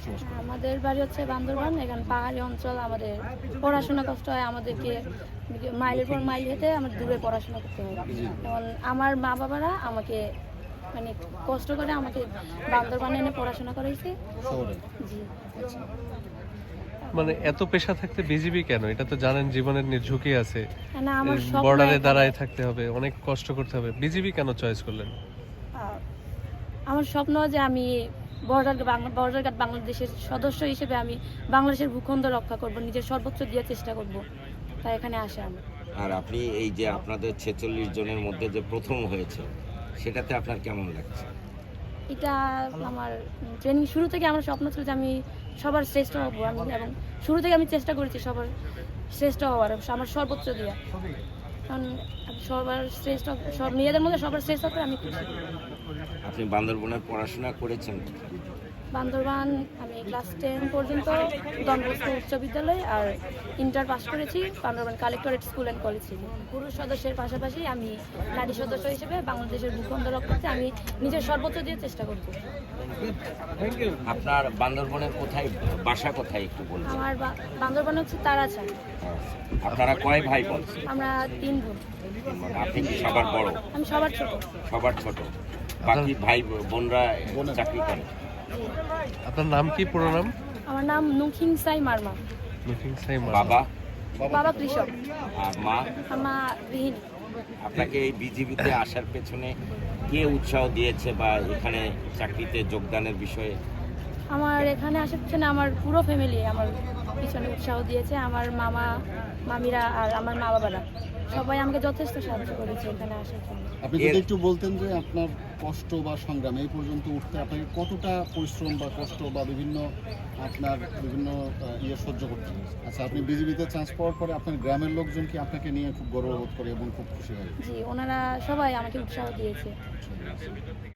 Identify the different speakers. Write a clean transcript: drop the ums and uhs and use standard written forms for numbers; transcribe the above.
Speaker 1: বসবাস করেন?
Speaker 2: আমাদের বাড়ি হচ্ছে বান্দরবান। এখানে পাহাড়ি অঞ্চল, আমাদের পড়াশোনা কষ্ট হয়, আমাদেরকে মাইলের পর মাইল হেঁটে আমার দূরে পড়াশোনা করতে হয়। যেমন আমার মা বাবারা আমাকে মানে কষ্ট করে আমাকে বান্দরবানে এনে পড়াশোনা করাইছে।
Speaker 1: শহরে?
Speaker 2: জি।
Speaker 3: মানে এত পেশা থাকতে বিজিবি কেন? এটা তো জানেন জীবনের ঝুঁকি আছে,
Speaker 2: না, আমার স্বপ্ন
Speaker 3: বর্ডারে
Speaker 2: এখানে-
Speaker 3: দাঁড়ায় থাকতে হবে, অনেক কষ্ট করতে হবে। বিজিবি কেন চয়েস করলেন?
Speaker 2: আহ, আমার স্বপ্ন যে আমি বর্ডার গার্ড বাংলাদেশের সদস্য হিসেবে আমি বাংলাদেশের ভূখণ্ড রক্ষা করব, নিজের সর্বোচ্চ দিয়ে চেষ্টা করব, তাই এখানে আসা আমি।
Speaker 4: আর আপনি এই যে আপনাদের 46 জনের মধ্যে যে প্রথম হয়েছে, সেটাতে আপনার কেমন লাগছে?
Speaker 2: এটা আমার ট্রেনিং শুরু থেকে আমার স্বপ্ন ছিল যে আমি সবার শ্রেষ্ঠ হব, আমি এবং শুরু থেকে আমি চেষ্টা করেছি সবার শ্রেষ্ঠ হওয়ার, আমার সর্বোচ্চ দিয়ে। কারণ আমি সবার শ্রেষ্ঠ, সব মেয়েদের মধ্যে সবার শ্রেষ্ঠ করে আমি খুশি।
Speaker 4: আপনি বান্দরবনে পড়াশোনা করেছেন?
Speaker 2: বান্দরবান আমি ক্লাস 10 পর্যন্ত ডন বস্কো উচ্চ বিদ্যালয় আর ইন্টার পাস করেছি Bandarban collectorate school and college থেকে। পুরুষ সদস্যের পাশাপাশি আমি নারী সদস্য হিসেবে বাংলাদেশের ভূখণ্ড রক্ষাতে আমি নিজের সর্বোচ্চ দিয়ে চেষ্টা করব।
Speaker 4: আপনার বান্দরবনের কোথায় বাসা, কোথায় একটু বলবেন?
Speaker 2: আমার বান্দরবান হচ্ছে তারাচান।
Speaker 4: আপনারা কয় ভাই বোন?
Speaker 2: আমরা 3 বোন।
Speaker 4: আপনি কি সবার বড়?
Speaker 2: আমি সবার ছোট।
Speaker 4: সবার ছোট? বাকি ভাই বোনরা চাকরি করে?
Speaker 2: জি।
Speaker 3: আপনার নাম কি, পুরো নাম?
Speaker 2: আমার নাম নুখিং সাই মার্মা।
Speaker 3: লুকিং সাইম।
Speaker 4: বাবা?
Speaker 2: বাবা কৃষক,
Speaker 4: আর মা?
Speaker 2: মা গৃহিণী।
Speaker 4: আপনাকে এই বিজিবিতে আসার পেছনে কে উৎসাহ দিয়েছে বা এখানে চাকরিতে যোগদানের বিষয়ে?
Speaker 2: আমার এখানে আসার পিছনে আমার পুরো ফ্যামিলি আমার পিছনে উৎসাহ দিয়েছে, আমার মামা মামিরা আর আমার মা বাবারা সবাই আমাকে যথেষ্ট সাহায্য করেছে এখানে আসার জন্য।
Speaker 1: আপনি যদি একটু বলতেন যে আপনার কষ্ট বা সংগ্রাম এই পর্যন্ত উঠতে আপনাকে কতটা পরিশ্রম বা কষ্ট বা বিভিন্ন সহ্য করতে হয়েছে? আচ্ছা, আপনি বিজিবিতে চান্স পাওয়ার পরে আপনার গ্রামের লোকজন কি আপনাকে নিয়ে খুব গর্ববোধ করে এবং খুব খুশি হয়?
Speaker 2: জি, ওনারা সবাই আমাকে উৎসাহ দিয়েছে।